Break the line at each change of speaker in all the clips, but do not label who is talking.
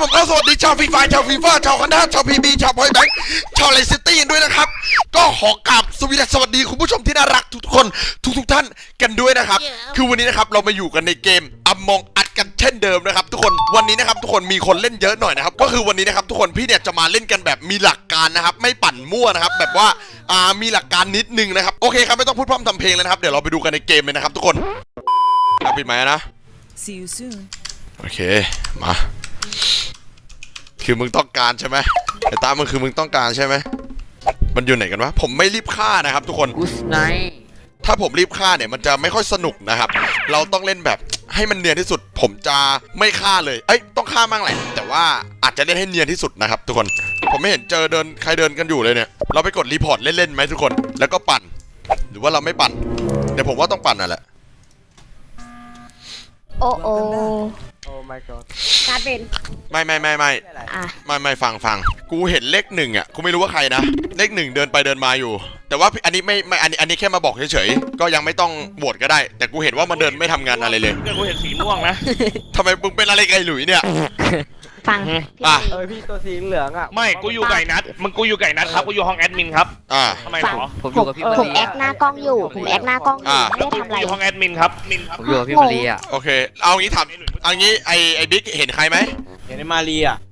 ผมก็สวัสดีชาวฟรีไฟชาวฟีฟ่าชาวคณะชาวพีบีชาวพอยแบงค์ชาวไลซิตี้ด้วยนะครับก็ขอกราบสวัสดีคุณผู้ชมที่น่ารักทุกคนทุกท่านกันด้วยนะครับคือวันนี้นะครับเรามาอยู่กันในเกมAmong Usกันเช่นเดิมนะครับทุกคนวันนี้นะครับทุกคนมีคนเล่นเยอะหน่อยนะครับก็คือวันนี้นะครับทุกคนพี่เนี่ยจะมาเล่นกันแบบมีหลักการนะครับไม่ปั่นมั่วนะครับแบบว่ามีหลักการนิดนึงนะครับโอเคครับไม่ต้องพูดพร่ำทำเพลงเลยนะครับเดี๋ยวเราไปดูกันในเกมเลยนะครับทุกคนปิดไมค์นะ
See you soon
โอเคมาคือมึงต้องการใช่ไหมไอ้ตามึงคือมึงต้องการใช่ไหมมันอยู่ไหนกันวะผมไม่รีบฆ่านะครับทุกคน
Good night
ถ้าผมรีบฆ่าเนี่ยมันจะไม่ค่อยสนุกนะครับเราต้องเล่นแบบให้มันเนียนที่สุดผมจะไม่ฆ่าเลยต้องฆ่ามั่งแหละแต่ว่าอาจจะเล่นให้เนียนที่สุดนะครับทุกคนผมไม่เห็นเจอใครเดินกันอยู่เลยเนี่ยเราไปกดรีพอร์ตเล่นๆไหมทุกคนแล้วก็ปั่นหรือว่าเราไม่ปั่นเดี๋ยวผมว่าต้องปั่นนั่นแหละ
โอ้โอ้
โอ้ my god
การเป็น
ไม่ฟังกูเห็นเลขหนึ่งอ่ะกูไม่รู้ว่าใครนะเลขหนึ่งเดินไปเดินมาอยู่แต่ว่าอันนี้ไม่อันนี้แค่มาบอกเฉยๆก็ยังไม่ต้องโหวตก็ได้แต่กูเห็นว่ามันเดินไม่ทำงานอะไรเลย
กูเห็นสีม่วงนะ
ทำไมมึงเป็นอะไรกับไอ้หลุยเนี่ย
ฟัง
พี่ตัวสีเหลืองอ่ะ
ไม่กูอยู่ไก่นัดมึงกูอยู่ไก่นัดครับกูอยู่ห้องแอดมินครับทำไมหรอ
ผมอยู่กับพี่มา
ผม
รี
แอคหน้ากล้องอยู่ผมแอคหน้ากล้องอยู่ไม่ได้ทำอะไร
อยู่ห้องแอดมินครับ
ผมอยู่กับพี่มารีอ่ะ
โอเคเอางี้ถามเอางี้ไอ้บิ๊กเห็นใครไหม
เห็นในมารีอ่ะ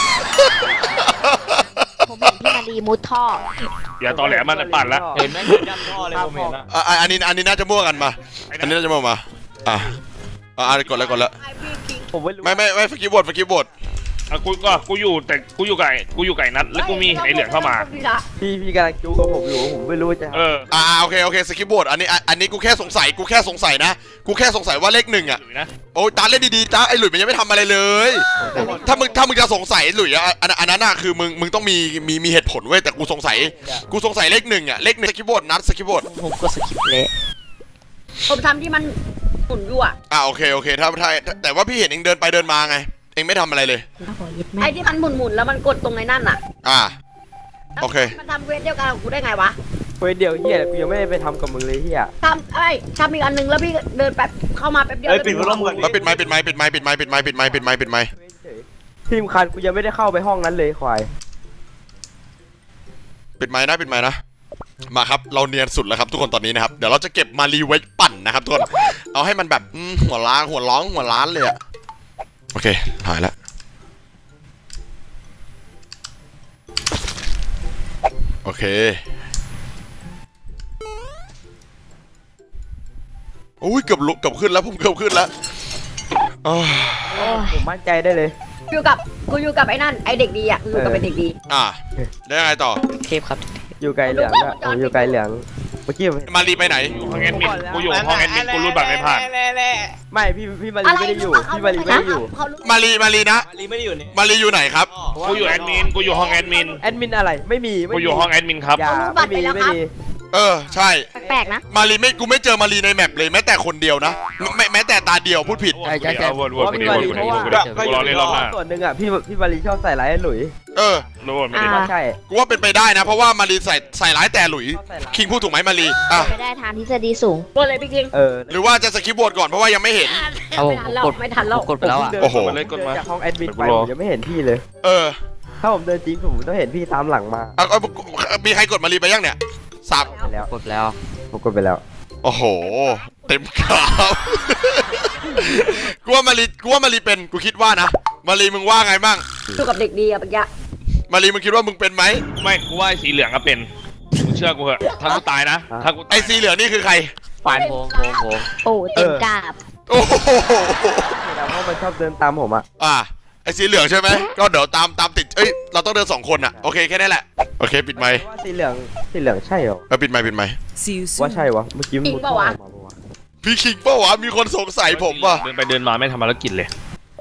ผมเห็นพี่มารีมุดท่อ
อย่าตอแหลมันปั่นละ
เห็นไหมยันท่อเลยผมเห็นอ่ะ
อันนี้น่าจะมั่วกันมาอันนี้น่าจะมั่วมากดแล้ว
ผมไม่รู้
ไม่ฟกิบวด
กูอยู่แต่กูอยู่ไก่นัดแล้วกูมีไอเหลืองเข้ามา
พี่กำลังจู้กับผมอยู่ผมไม่รู้จะ
โอเคสกิปบดอันนี้กูแค่สงสัยนะกูแค่สงสัยว่าเลขหนึ่งอ่ะโอ้ยตาเล่นดีๆจ้าไอ้หลุยมันยังไม่ทำอะไรเลยถ้ามึงจะสงสัยหลุยอันนั้นน่ะคือมึงต้องมีเหตุผลเว้ยแต่กูสงสัยเลขหนึ่งอ่ะเลขหนึ่งสกิปบดนัดสกิปบด
ผมก็สกิปเละ
ผมทำที่มันหมุนอยู่
โอเคถ้าแต่ว่าพี่เห็นเองเดินไปเดินมาไงเองไม่ทำอะไรเลย
ไอ้ที่มันหมุนแล้วมันกดตรงในนั่นโอเคมันทำเวทเดียวกันกับกูได้ไงวะ
เฮ้ยเดี๋ยวเฮียกูยังไม่ได้ไปทำกับมึงเลยเฮีย
ทำอีกอันนึงแล้วพี่เดินแป๊บเข้ามาแป๊บเดียว
ปิดไมค์
ทีมคันกูยังไม่ได้เข้าไปห้องนั้นเลยควาย
ปิดไมค์นะมาครับเราเนียนสุดแล้วครับทุกคนตอนนี้นะครับเดี๋ยวเราจะเก็บมารีไว้ปั่นนะครับทุกคนเอาให้มันแบบหัวล้านเลยอะโอเคหายแล้วโอเคโอ้ยเกือบขึ้นแล้วผมเกือบขึ้นแล้ว
ผมมั่นใจได้เลย
กูอยู่กับไอ้นั่นไอ้เด็กดีอยู่กับไอ้เด็กดี
ได้ไงต่อ
เทพครับ
อยู่ไกลเหลืองผมอยู่ไกลเหลืองเมื่อกี้
มารีไปไหน
อยู่ห้องแอดมินกูอยู่ห้องแอดมินกูรูดบัตรไม่ผ่าน
ไม่พี่มารีไม่ได้อยู่พี่มารีไม่ได้อยู่
มารีนะ
มารีไม่ได้อยู่นี่
มารีอยู่ไหนครับ
กูอยู่แอดมินกูอยู่ห้องแอดมิน
อะไรไม่มี
กูอยู่ห้องแอดมินครับ
ไม่มี
ใช่
แปลกนะ
มารีกูไม่เจอมารีในแมปเลยแม้แต่คนเดียวนะแม้แต่ตาเดียวพูดผิด
ใช่วนกูรอเล่นรอบหน้า
ส่วนหนึ่งอ่ะพี่มารีชอบใส่ร้ายหลุย
ไม่ได้
ใช่
กูว่าเป็นไปได้นะเพราะว่ามารีใส่ร้ายแต่หลุยคิงพูดถูกไหมมารี
ไม่ได้ทางทฤษฎีสูงกดเลยพี่คิง
หรือว่าจะสกิปบทก่อนเพราะว่ายังไม่เห็น
ไม่ทันแล้ว
กดไปแล้ว
โอ้โห
จากห้องแอดมินไปยังไม่เห็นพี่เลยถ้าผมเดินจริงผมต้องเห็นพี่ตามหลังมา
มีใครกดมารีไปยังเนี่ยสับ
แล้ว
กดแล้ว
ผมกดไปแล้ว
โอ้โหเต็มข่าวกูว่ามารีเป็นกูคิดว่านะมารีมึงว่าไงบ้าง
อยู่กับเด็กดีอะเมื่อกี้
มารีมึงคิดว่ามึงเป็นไหม
ไม่กูว่าสีเหลืองก็เป็นมึงเชื่อกูเหอะถ้ากูตายนะถ้ากู
ไอสีเหลืองนี่คือใคร
ฝันโผ
โอ้เต็มกาบ
โอ้โห
แล้วเพราะมันชอบเดินตามผม
ไอสีเหลืองใช่ไหมก็เดี๋ยวตามติดเราต้องเดิน2 คนโอเคแค่นี้แหละโอเคปิดไมค์
สีเหลืองใช่เหรอ
ปิดไมค์
ว่าใช่วะเมื่อกี้มุดเข้ามา
พี่คิงเปล่าวะมีคนสงสัยผมว่ะ
เดินไปเดินมาไม่ทำภารกิจเลย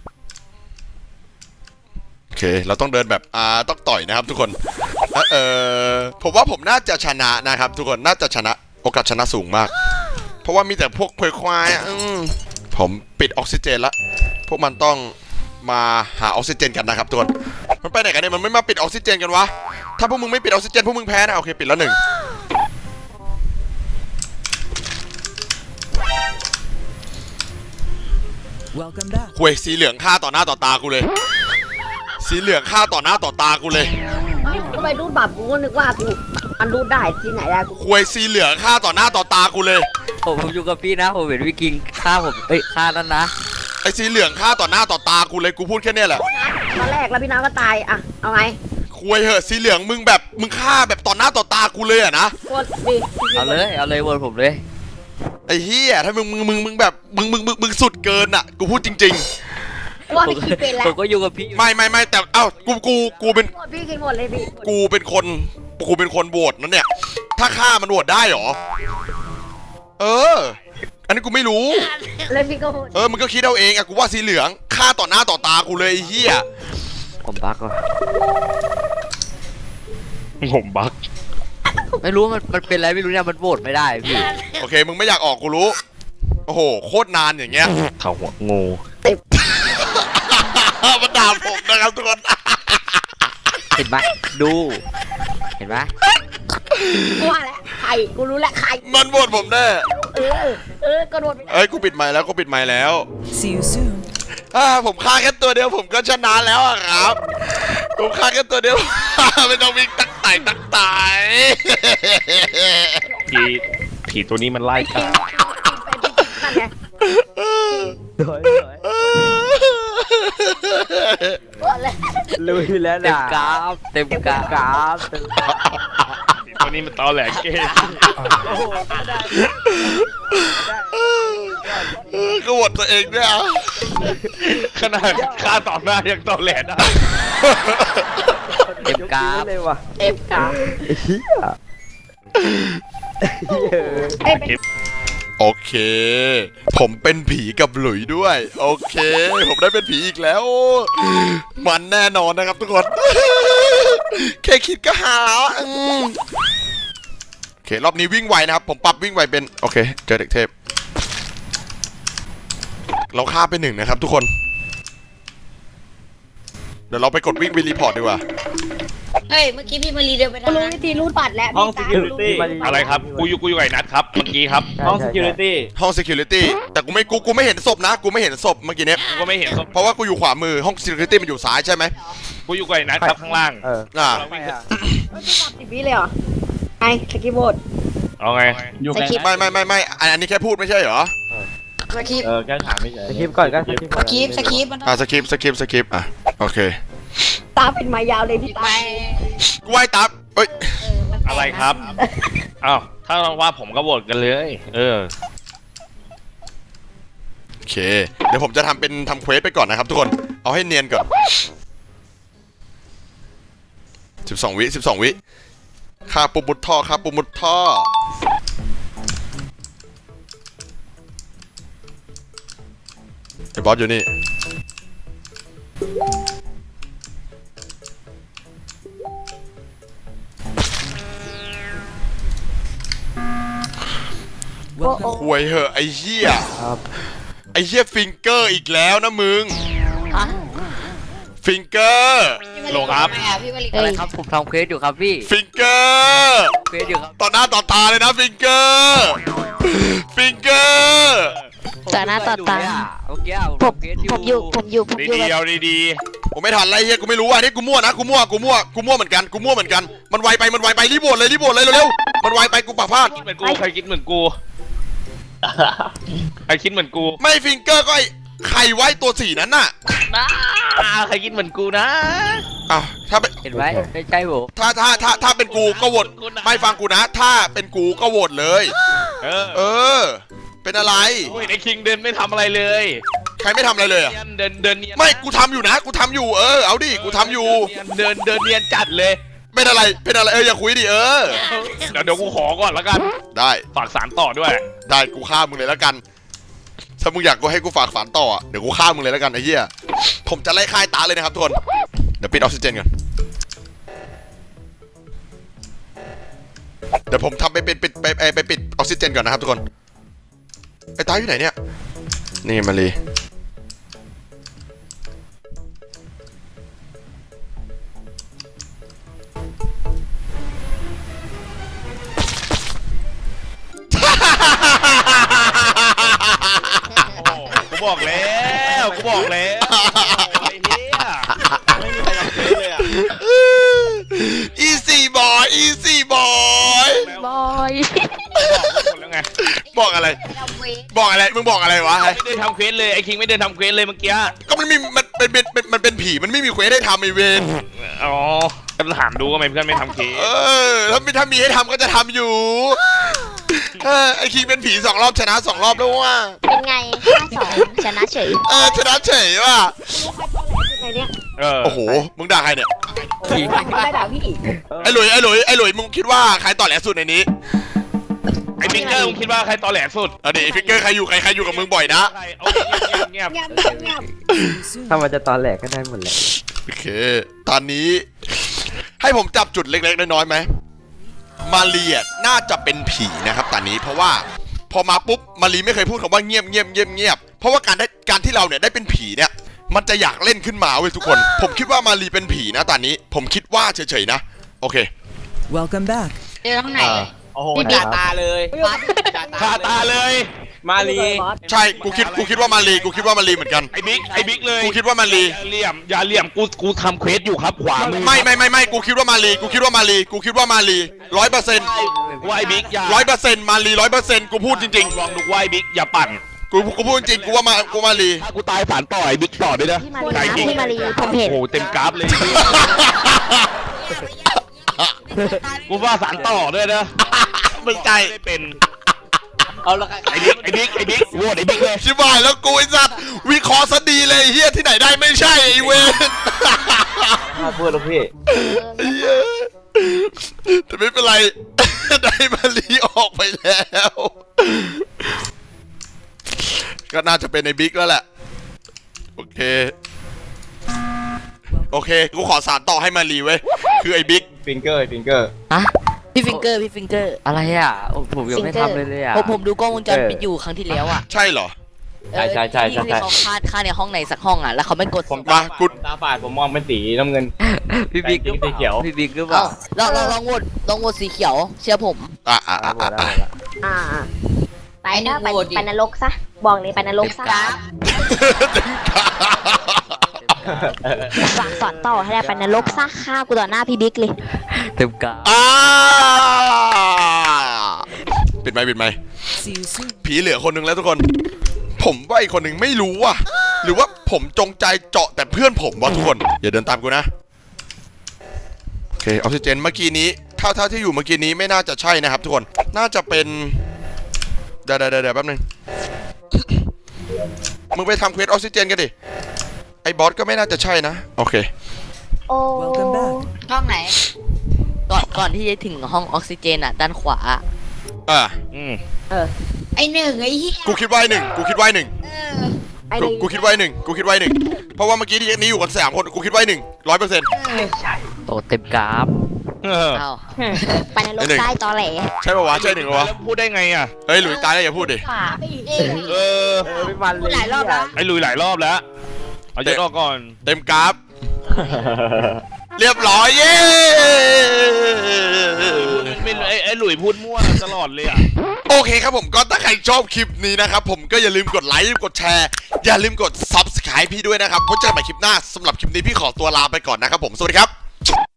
โอเคเราต้องเดินแบบต้องต่อยนะครับทุกคนผมว่าผมน่าจะชนะนะครับทุกคนน่าจะชนะโอกาสชนะสูงมากเพราะว่ามีแต่พวกควายผมปิดออกซิเจนละพวกมันต้องมาหาออกซิเจนกันนะครับทุกคนมันไปไหนกันเนี่ยมันไม่มาปิดออกซิเจนกันวะถ้าพวกมึงไม่ปิดออกซิเจนพวกมึงแพ้นะโอเคปิดแล้ว1หวยสีเหลืองฆ่าต่อหน้าต่อตากูเลยสีเหลืองฆ่าต่อหน้าต่อตากูเลย
ทำไมรูดบัตรกูก็นึกว่ากูมันรูดได้ที่ไหนได้กู
ควยสีเหลืองฆ่าต่อหน้าต่อตากูเลย
ผมอยู่กับพี่นะผมเห็นพี่กิงฆ่าผมฆ่านั่นนะ
ไอ้สีเหลืองฆ่าต่อหน้าต่อตากูเลยกูพูดแค่เนี้ยแหละ
ตอนแรกแล้วพี่น้ำก็ตายอะเอาไง
ควยเหอะสีเหลืองมึงแบบมึงฆ่าแบบต่อหน้าต่อตากูเลยอะนะ
กดดิ
เอาเลยวนผมเลย
ไอ้เฮียถ้ามึงแบบมึงสุดเกินอะกูพูดจริง
ว่าพี่กินเป็นแล้ว
ผมก็อยู่กับพี่
ๆ ไม่แต่เอ้ากูเป็น
กดพี่กินหมดเลยพี่
กูเป็นคนโหวตนั่นเนี่ยถ้าฆ่ามันโหวตได้เหรอเอออันนี้กูไม่รู้
เลยพี่ก็หมด
มึงก็คิดเอาเองอะกูว่าสีเหลืองฆ่าต่อหน้าต่อตากูเลยไอ้เฮีย
ผมบักว่ะ
ผมบัก
ไม่รู้มันเป็นอะไรไม่รู้เนี่ยมันโหวตไม่ได้พี่
โอเคมึงไม่อยากออกกูรู้โอ้โหโคตรนานอย่างเงี้ย
เขาหัวงู
มันด่าผมนะครับทุกคน
เห็นไหมดูเห็นไหม
กูว่าแล้วใครกูรู้แล้วใคร
มันโหวตผมแน่
ก็โดน
เอ้ยกูปิดไมค์แล้วกูปิดไมค์แล้ว
See you soon.
ผมฆ่าแค่ตัวเดียวผมก็ชนะแล้วอะครับผมฆ่าแค่ตัวเดียว ไม่ต้องวิ่งตักไต่
ผีตัวนี้มันไล่กา
นั่นไง
โดย ลุยแล้ว
เต็ม
นะ
กราฟเต็มกราฟ
กราฟเต็ม
ผีตัวนี้มันตอแหลกเก้
โอ้โหก็ได้
ก็โหวตตัวเองด้วยอ่ะ
ขนาดฆ่าต่อหน้ายังตอแหลกได้
เต็มกราฟ
เลยว่ะ
เต็มกราฟ
เฮีย
เอ้ยเป็น
โอเค ผมเป็นผีกับหลุยด้วย โอเค ผมได้เป็นผีอีกแล้ว มันแน่นอนนะครับทุกคน แค่คิดก็หาแล้วอืมโอเครอบนี้วิ่งไวนะครับผมปรับวิ่งไวเป็นโอเคเจอเด็กเทพเราฆ่าไป1นะครับทุกคน เดี๋ยวเราไปกดวิ่งไปรีพอร์ตดีกว่า
เฮ้ย เมื่อกี้พี่มารีเดินไป
กู
ทาง
รู้
นั้น
วิธีรูดบัตรแล้ว
ห้อง
พี่
security
อะไรครับกูอยู่กับไอ้นัทครับเมื่อกี้ครับ
ห้อง security
ห้อง security แต่กูไม่เห็นศพนะกูไม่เห็นศพเมื่อกี้เนี้ย
กูก็ไม่เห็นศพ
เพราะว่ากูอยู่ขวามือห้อง security มันอยู่ซ้ายใช่ไหม
กูอยู่กับไอ้นัทครับข้างล่าง
อ่า
เราวิ่งขึ้น
รูดบัตร10 วิเลยเหรอไอ้สกิปโบด
เอาไง
อยู่กัน
ไม่อันนี้แค่พูดไม่ใช่เหรอ
สคริปต์
แค่ถามไม่เฉย
สคริปต์ก่อนก็สคริปต์
สคริปต์สคริปต์มัน
สคริปอ่ะโอเค
ตาเป็นไม้ยาวเลยพี่ตา
ไป
กูไหว้ตับเอ้ย
อะไรครับอ้าวถ้าว่าผมก็โหวตกันเลย
โอเค เดี๋ยวผมจะทำเควสไปก่อนนะครับทุกคนเอาให้เนียนก่อน12 วิฆ่าปุ่มมุดท่อไอ้บอสอยู่นี่ควยเหอะไอ้เหี้ย
ครับ
ไอ้เหี้ยฟิงเกอร์อีกแล้วนะมึง
ฮะ
ฟิงเกอร์
โลครับ
พี่มารี
อะไรครับผมทำเควสอยู่ครับพี่
ฟิงเกอร์
เควสอยู่ครับ
ต่อหน้าต่อตาเลยนะฟิงเกอร์ฟิงเกอร์
ต่อหน้าต่อตา
เมื่อกี้ผม
ผม
ทำเควสอยู่
ผมอยู่กับ
ดีๆเอาดี
ผมไม่ทันไรเฮียกูไม่รู้อ่ะนี่กูมั่วนะกูมั่วเหมือนกันมันไวไปรีบโหวตเลยเร็วๆมันไวไปกูปากพลาด
ๆคิดเหมือนกูใครคิดเหมือนกูใครคิดเหมือนกู
ไม่ฟิงเกอร์ก็ไอ้ใครไว้ตัวสีนั้นน่ะ
ใครคิดเหมือนกูนะ
อ้าวถ้าเป็น
เห็นไหมไม่ใช่ผม
ถ้าเป็นกูก็โหวตไม่ฟังกูนะ ถ้าเป็นกูก็โหวตเลย เออ เป็นอะไร
โอ้ยไอ้คิงเดินไม่ทำอะไรเลย
ใครไม่ทำอะไรเลยอ่ะ
เดินเนียน
ไม่กูทำอยู่นะกูทำอยู่เอาดิกูทำอยู่
เดินเนียนจัดเลย
เป็นอะไรอย่าคุยดิ
เดี๋ยวกูขอก่อนแล้วกัน
ได้
ฝากสารต่อด้วย
ได้กูฆ่ามึงเลยแล้วกัน ถ้ามึงอยากกูให้กูฝากฝันต่ออะเดี๋ยวกูฆ่ามึงเลยแล้วกันไอ้เหี้ย ผมจะไล่ฆ่าไอ้ตาเลยนะครับทุกคน เดี๋ยวปิดออกซิเจนก่อน เดี๋ยวผมทำไปปิดออกซิเจนก่อนนะครับทุกคน ไอ้ตาอยู่ไหนเนี่ย นี่มาลี
กูบอกแล้วไอ้เหี้ยไม่มีใครท
บอกอะไร
ทำเวท
บอกอะไรมึงบอกอะไรวะ
ไม่ได้ทำเควสเลยไอ้คิงไม่ได้ทำเควสเลยเมื่อกี้
ก็มันมีมันเป็นผีมันไม่มีเควสให้ทำไอเวน
อ๋อก็ถามดูว่าทำไมเพื่อนไม่ทำเควส
ถ้ามีให้ทำก็จะทำอยู่ไอคิงเป็นผี2 รอบชนะ2 รอบแล้วว่ะ
เป็นไง5-2ชนะเฉย
ชนะเฉยว่ะ
ในเนี้ย
โอ้โหมึงด่าใครเนี่ย
ไม่ด่าพี่
ไอหลุยมึงคิดว่าใครต่อแหลสุดในนี้
ไอ้ฟิกเกอร์มึงคิดว่าใครตอแหลสุด
ไอฟิกเกอร์ใครอยู่กับมึงบ่อยนะ
ใครเอาเงียบ
เงียบ
ถ้ามันจะตอนแหลกก็ได้หมดแหละ
โอเคตอนนี้ให้ผมจับจุดเล็กๆน้อยๆไหมมาเรียน่าจะเป็นผีนะครับตอนนี้เพราะว่าพอมาปุ๊บมารีไม่เคยพูดคำว่าเงียบเพราะว่าการที่เราเนี่ยได้เป็นผีเนี่ยมันจะอยากเล่นขึ้นมาเว้ยทุกคน ผมคิดว่ามารีเป็นผีนะตอนนี้ผมคิดว่าเฉยๆนะโอเค
Welcome back.
เจอข้างไหน
โอ้โห
พี่บิ๊ก
ตาเลย
ๆคาตาเลย
มาลี
ใช่กูคิดว่ามารีเหมือนกัน
ไอ้บิ๊กเลย
กูคิดว่ามารี
อย่าเหลี่ยมกูทำเควสอยู่ครับขวามือ
ไม่กูคิดว่ามารี100%
ว่าไอ้บิ๊กอย่า
100%มารี100%กูพูดจริง
ลองดูว่าไอ้บิ๊กอย่าปั่น
ๆกูพูดจริงกูว่ามารี
ถ้ากูตายสารต่อไอ้บิ๊กต่อด้วยนะ
พี่มารีนะพี่มารีผมเห็น
โอ้โหเต็มกราฟเลยกูว่าสารต่อด้วยนะ
มึงใจ
ไม่เป็น
เอาละ
ไอ้บิ๊กโหวตไอ้บิ๊กเลย
ชิบหายแล้วกูไอ้สัตว์วิเคราะห์ซะดีเลยเฮียที่ไหนได้ไม่ใช่ไอ้เวน
มาพูดแล้วพี่
แต่ไม่เป็นไร ได้มารีออกไปแล้ว ก็น่าจะเป็นไอ้บิ๊กแล้วแหละ โอเคกูขอสารต่อให้มารีเว้ยคือไอ้บิ๊ก
ฟิงเกอร์
ฮะพี่ฟิงเกอร์
อะไรอ่ะโอ้ผมยังไม่ทำเลยอ่ะ
ผมดูกล้องวงจรปิดอยู่ครั้งที่แล้วอ่ะ
ใช่เหรอ
ใช่
ที่เขาฆ่าในห้องไหนสักห้องอ่ะแล้วเขาไม่กด
ผม
มากู
ตาฝาดผมมองเป็นสีน้ำเงิน
พี่บิ๊ก
แต่จริงสีเขียว
พี่บิ๊กหรือเปล่า
ลองโหวตสีเขียวเชื่อผม
อ่ะ
ไปนะไปนรกซะบอกเลยไปนรกซะฝากสอนต่อให้ได้ไปนรกซะฆ่ากูต่อหน้าพี่บิ๊กเลย
เต็มกา
ปิดไมค์
See you soon.
ผีเหลือคนหนึงแล้วทุกคน ผมว่าอีกคนหนึ่งไม่รู้ว่ะ หรือว่าผมจงใจเจาะแต่เพื่อนผมวะทุกคน อย่าเดินตามกูนะ โอเคออกซิเจนเมื่อกี้นี้เท่าที่อยู่เมื่อกี้นี้ไม่น่าจะใช่นะครับทุกคน น่าจะเป็นเดี๋ยวแป๊บนึง มึงไปทำเควสออกซิเจนกันดิ ไอ้บอสก็ไม่น่าจะใช่นะ โอเค
โอ้
Welcome back.
ห้องไหนก่อนที่จะถึงห้องออกซิเจนอ่ะด้านขวา ไอหนึ่งไอ้เหี้ย
กูคิดว่าไอ้หนึ่ง
ไอ้
กูคิดว่าไอ้หนึ่ง เพราะว่าเมื่อกี้ที่นี้อยู่กัน3 คนกูคิดว่าไอ้หนึ่ง100%
โตเต็มกราฟ
อ้าว
ไปนรกได้ตอแหล
ใช่ป่าวะใช่หนึ่งป่าวะ
แล้วพูดได้ไงอ่ะ
เฮ้ยหลุยตายแล้วอย่าพูดดิ
ป่า
ไม่มันเลย
หลายรอบแล้ว
ไอ้ลุยหลายรอบแล้วเอาจะรอบก่อน
เต็มกราฟ เรียบร้อยเย้
ไอ้หลุยพูดมั่วตลอดเลยอ่ะ
โอเคครับผมก็ถ้าใครชอบคลิปนี้นะครับผมก็อย่าลืมกดไลค์กดแชร์อย่าลืมกด Subscribe พี่ด้วยนะครับพบเจอกันใหม่คลิปหน้าสำหรับคลิปนี้พี่ขอตัวลาไปก่อนนะครับผมสวัสดีครับ